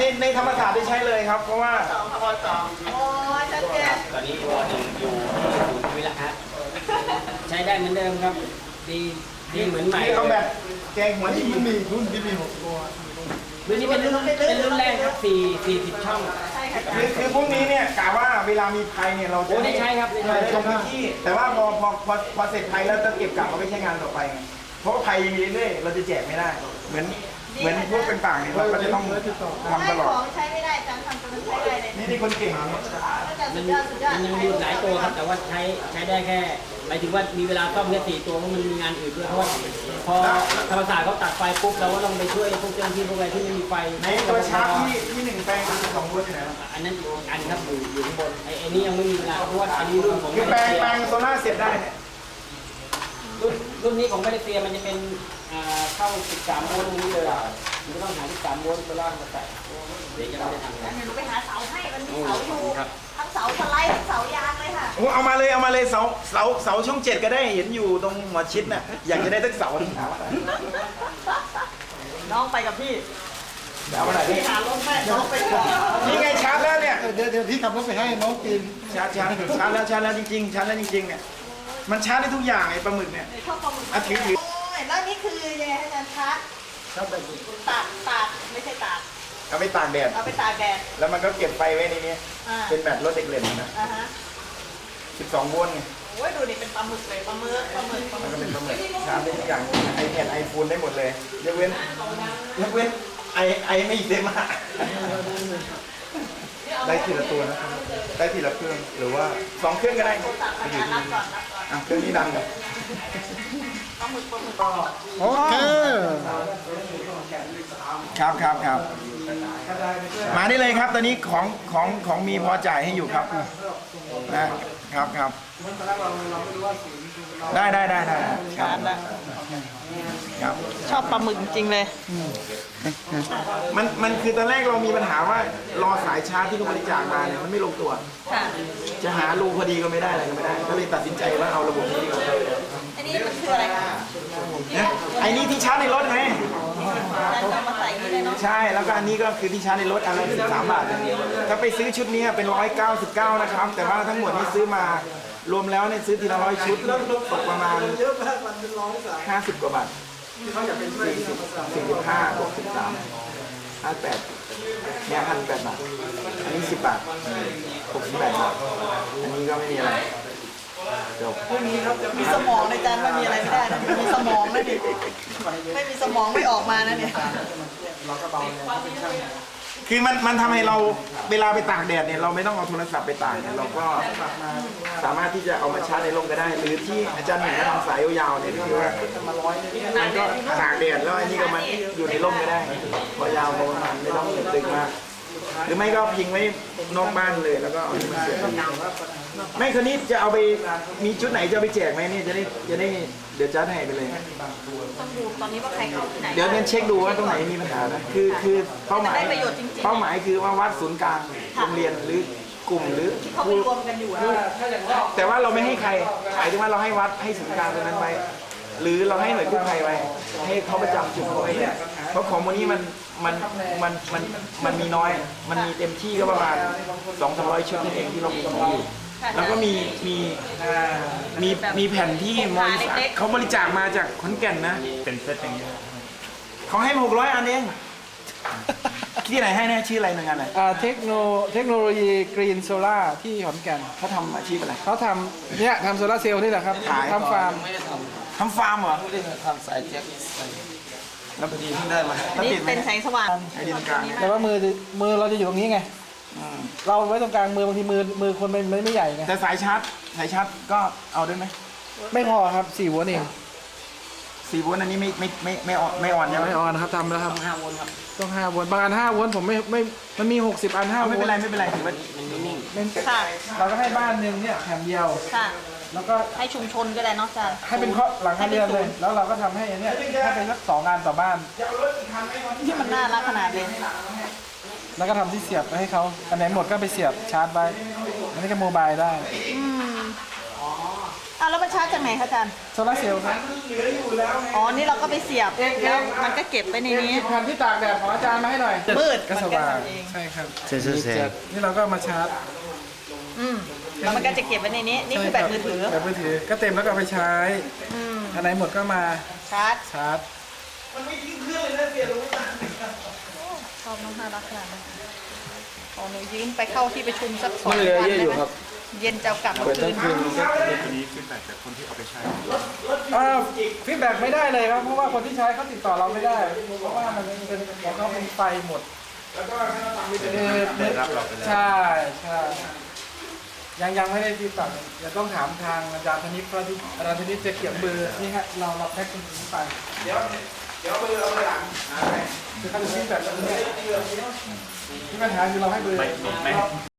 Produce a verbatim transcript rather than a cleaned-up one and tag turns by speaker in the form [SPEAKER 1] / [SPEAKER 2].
[SPEAKER 1] ในธรรมศาสตร์ได้ใช้เลยครับเพราะว่า
[SPEAKER 2] สองพอสองโอ้ยชัดเจน
[SPEAKER 3] ตอนนี้วอหนึ่งอยู่ที่ศูนย์วิละครับใช้ได้เหมือนเดิมครับดีดีเหมือนใหม่
[SPEAKER 1] นี่เขาแบบแกงหัวที่มีรุ่นที่มีหกตัว
[SPEAKER 3] รุ่นนี้เป็นรุ่นเป็นรุ่นแรกครับสี่สี่สิบช่อง
[SPEAKER 1] คือคือพวกนี้เนี่ยกะว่าเวลามีภัยเนี่ยเราจะ
[SPEAKER 3] ได้ใช้ครับ
[SPEAKER 1] ใช้ตรงที่แต่ว่าพอพอพอพอเสร็จภัยแล้วจะเก็บกลับเอาไปใช้งานต่อไปไงเพราะว่าภัยยังมีเรื่อยเราจะแจกไม่ได้เหมือนเหมือนพวกเป็นต่างเนี่ยเราก็จะต้องทำตลอด
[SPEAKER 2] ของใช้ไม่ได้จำทำตัวนั้นใช้ได้เลย
[SPEAKER 1] นี่นี่คนเก่ง
[SPEAKER 3] มันมันยังมีหลายตัวครับแต่ว่าใช้ใช้ได้แค่หมายถึงว่ามีเวลาซ่อมแค่สี่ตัวเพราะมันมีงานอื่นด้วยเพราะว่าพอธรรมศาสตร์เขาตัดไฟปุ๊บเราก็ต้องไปช่วยพวกเจ้าหน้าที่พวกอะไรที่ไม่มีไฟ
[SPEAKER 1] ในตัวชาร์จที่ที่หนึ่งแปลงสองรุ่นอยู่ไหน
[SPEAKER 3] อันนั้นอันครับอยู่อยู่ข้างบนไอ้ไอ้นี้ยังไม่มีเวลาเพราะว่าอันนี้รุ่นของ
[SPEAKER 1] คือแปลงแปลงโซล่าเสร็จได้เนี่ย
[SPEAKER 3] รุ่นรุ่นนี้ของมาเลเซียมันจะเป็นเข้าสิบสามโวลต์ตรงนี้เลยมันก็ต้องหาสิบสามโวลต์ไปล่างมาใส่เดี๋ยวจะไม่ได้ทำนะ
[SPEAKER 2] หนูไปหาเสาให้มันมีเสาอยู่ทั้งเสาสไลด์ทั้งเสายางเลยค่ะ
[SPEAKER 1] โอ้เอามาเลยเอามาเลยเสาเสาเสาช่องเจ็ดก็ได้เห็นอยู่ตรงหัวชิดน่ะอยากจะได้ทั้งเสาทั้งเสา
[SPEAKER 2] น้องไปกับพี่
[SPEAKER 1] เดี๋ยวอะไร
[SPEAKER 2] พี่หาลงแม่น้องไปก่อน
[SPEAKER 1] นี่ไงชาร์จแล้วเนี่ย
[SPEAKER 4] เดี๋ยวเดี๋ยวพี่ขับรถไปให้น้องกิน
[SPEAKER 1] ชาร์จชาร์จชาร์จแล้วชาร์จแล้วจริงๆชาร์จแล้วจริงๆเนี่ยมันชาร์จได้ทุกอย่างไอ้ปลาหมึกเนี่ย
[SPEAKER 2] ชอบปลาหมึก
[SPEAKER 1] อ่ะถือถือ
[SPEAKER 2] แล้วนี่คือยังไงอาจารย์ชาร์จ
[SPEAKER 1] ชอบแบบ
[SPEAKER 2] ตากตากไม่ใช่ตาก
[SPEAKER 1] เอาไปตากแดด
[SPEAKER 2] เอาไปตากแดด
[SPEAKER 1] แล้วมันก็เก็บไฟไว้ในนี้เป็นแบบรถเด็กเล่นนะสิบสองโวลต์ไง
[SPEAKER 2] โอ้ยดูนี่เป็นปลาหมึกเลยปลาหมึกปลาหมึก
[SPEAKER 1] มันก็เป็นปลาหมึกชาร์จได้ทุกอย่างไอแพดไอโฟนได้หมดเลยยกเว้นยกเว้นไอไอไม่เต็มอ่ะได้ทีละตัวนะครับได้ทีละเครื่องหรือว่าสองเครื่องก็ได้ไปอยู่ที่อ่ะเครื่องนี้ดังเลย
[SPEAKER 4] โอเค
[SPEAKER 1] ครับครับครับมาได้เลยครับตอนนี้ของของของมีพอจ่ายให้อยู่ครับนะครับครับได้ได้ได้ได้ครับครับ
[SPEAKER 2] ชอบปลาหมึกจริงเลย
[SPEAKER 1] มันมันคือตอนแรกเรามีปัญหาว่ารอสายชาร์จที่เขาบริจาคมาเนี่ยมันไม่ลงตัวจะหารูพอดีก็ไม่ได้อะไรก็ไม่ได้ก็เลยตัดสินใจว่าเอาระบบนี้ดีกว่า
[SPEAKER 2] อันนี้มันคืออะไรคะ
[SPEAKER 1] ไอ้นี่ที่ชาร์จในรถไงใช่แล้วก็อันนี้ก็คือที่ชาร์จในรถอันละสิบสามบาทถ้าไปซื้อชุดนี้เป็นร้อยเก้าสิบเก้านะครับแต่ว่าทั้งหมดนี้ซื้อมารวมแล้วเนี่ยซื้อทีละร้อยชุดตกประมาณห้าสิบกว่าบาทสี่สิบสี่สิบห้าบวกสิบสามห้าแปดเนี่ยห้าแปดบาทอันนี้สิบบาทหกสิบแปดบาทอันนี้ก็ไม่มีอะไรจบ
[SPEAKER 2] มีสมองในจานไม่มีอะไรไม่ได้นะมีสมองนะดิไม่มีสมองไม่ออกมานะเนี่ย
[SPEAKER 1] คือมันมันทำให้เราเวลาไปตากแดดเนี่ยเราไม่ต้องเอาโทรศัพท์ไปตากเนี่ยเราก็สามารถที่จะเอามาชาร์จในร่มก็ได้หรือที่อาจารย์เห็นทำสายยาวๆเนี่ยคือว่ามันก็ตากแดดแล้วอันนี้ก็มันอยู่ในร่มก็ได้พอยาวประมาณไม่ต้องตึงมากหรือไม่ก็พิงไว้นอกบ้านเลยแล้วก็เอามาเสียบไม่คนนี้จะเอาไปมีชุดไหนจะเอาไปแจกไหมเนี่ยจะได้จะได้เดี๋ยวจัดให้ไปเลย
[SPEAKER 2] ต้องดูตอนนี้ว่าใครเข้าที่ไหน
[SPEAKER 1] เดี๋ยวเนี่ยเช็คดูว่าตรงไหนมีปัญหานะคือคือเป้าหมายเป้าหมายคือว่าวัดศูนย์กลางโรงเรียนหรือกลุ่มหรือ
[SPEAKER 2] เขาไปรวมกันอยู่นะ
[SPEAKER 1] แต่ว่าเราไม่ให้ใครหมายถึงว่าเราให้วัดให้ศูนย์กลางตรงนั้นไว้หรือเราให้หน่วยกู้ภัยไว้ให้เขาประจำจุดเขาไว้เพราะของวันนี้มันมันมันมันมันมีน้อยมันมีเต็มที่ก็ประมาณสองสามร้อยชุดนั่นเองที่เรามีอยู่แล้วก็มีมีมีมีแผ่นที่มอญเขาบริจาคมาจากขอนแก่นนะเป็นเซตอย่างนี้เขาให้หกร้อยอันเองที่ไหนให้แน่ชื่ออะไรหน่วยงานไหน
[SPEAKER 4] เทคโนเทคโนโลยีกรีนโซล่าที่ขอนแก่น
[SPEAKER 1] เขาทำอาชีพอะไร
[SPEAKER 4] เขาทำเนี่ยทำโซล่าเซลล์นี่แหละครับทำฟาร์ม
[SPEAKER 1] ทำฟาร์มเหรอ
[SPEAKER 3] ทำสายแจ็ค
[SPEAKER 1] แล้วพอดีเพิ่งได้มา
[SPEAKER 2] นี่เป็นแสงสว่าง
[SPEAKER 1] ไอ้ดินกลาง
[SPEAKER 4] แต่ว่ามือมือเราจะอยู่ตรงนี้ไงเราไว้ตรงกลางมือบางทีมือมือคนมันไม่ใหญ่ไง
[SPEAKER 1] แต่สายชาร์จสายชาร์จก็เอาได้ไหม
[SPEAKER 4] ไม่พอครับสี่โวลต์เอง
[SPEAKER 1] สี่โวลต์อันนี้ไม่ไม่ไม่ไม่อ่อนไม่อ่อนใช่ไหม
[SPEAKER 4] ไม่อ่อนครับทำแล้วครับ
[SPEAKER 3] ต้องห้าโวลต์ครับ
[SPEAKER 4] ต้องห้าโวลต์บางอันห้าโวลต์ผมไม่ไม่มันมีหกสิบอันห้าโวลต์
[SPEAKER 1] ไม่เป็นไรไม่เป็นไรถือว่า
[SPEAKER 3] มันนิ่ง
[SPEAKER 4] เราก็ให้บ้านหนึ่งเนี่ยแถมเดียวแล้วก็
[SPEAKER 2] ให้ชุมชนก็ได้เนาะอาจารย์
[SPEAKER 4] ให้เป็นหลังคาเรือนเลยแล้วเราก็ทำให้เนี่ยให้เป็นสักสองงานต่อบ้าน
[SPEAKER 2] ที่มันน่ารักขนาดนี้
[SPEAKER 4] แล้วก็ทำที่เสียบไปให้เขาอันไหนหมดก็ไปเสียบชาร์จไว้อันนี้ก็โมบายได้
[SPEAKER 2] อืมอ่ะแล้วมันชาร์จจากไหนคะอาจารย์
[SPEAKER 4] โซลาร์เซลล์ครับ
[SPEAKER 2] อ๋อ นี่เราก็ไปเสียบ
[SPEAKER 4] เอ๊ะ
[SPEAKER 2] แล้วมันก็เก็บไปในนี้
[SPEAKER 4] หยิบแผ่นที่ตากแดดของอาจารย์มาให้หน่อย
[SPEAKER 2] มืด
[SPEAKER 4] ก็สว่าง
[SPEAKER 2] มันก็ทำเอง
[SPEAKER 4] ใช่ครับ
[SPEAKER 1] เซ็นเซอร์แสง
[SPEAKER 4] นี่เราก็มาชาร์จ
[SPEAKER 2] อืมแล้วมันก็จะเก็บไว้ในนี้ นี่คือแบตมือถือ
[SPEAKER 4] แบตมือถือก็เต็มแล้วก็เอาไปใช้
[SPEAKER 2] อืม
[SPEAKER 4] อันไหนหมดก็มา
[SPEAKER 2] ชาร์จ
[SPEAKER 4] ชาร์จ
[SPEAKER 2] ชอบน้องน่ารักขนาดนั้นของหนูยืมไปเข้าที่ประชุมสักสอง
[SPEAKER 1] มันเหลือ
[SPEAKER 2] วัน
[SPEAKER 1] เยอะอยู่ครับ
[SPEAKER 2] เย็นจะเอากลับมา
[SPEAKER 1] เปิด
[SPEAKER 2] คื
[SPEAKER 1] ตั้ง
[SPEAKER 2] น
[SPEAKER 1] คืนมันก็
[SPEAKER 4] อ่าฟีดแบ็กไม่ได้เลยครับเพราะว่าคนที่ใช้เขาติดต่อเราไม่ได้ เพราะว่ามันเป็นของเขาเป็นไฟหมดแล้วก็ได้รับเราไปแล้วใช่ใช่ยังยังไม่ได้ติดต่อเดี๋ยวต้องถามทางอาจารย์ธนิตเพราะที่อาจารย์ธนิตจะเขียนเบอร์นี่ฮะเราเราแพ็คตรงนี้ไปเดี๋ยวเดี๋ยวเบอร์เอาไปหลังคือเขาจะฟีดแบ็กตรงนี้ที่ปัญหาคือเราให้เบอร์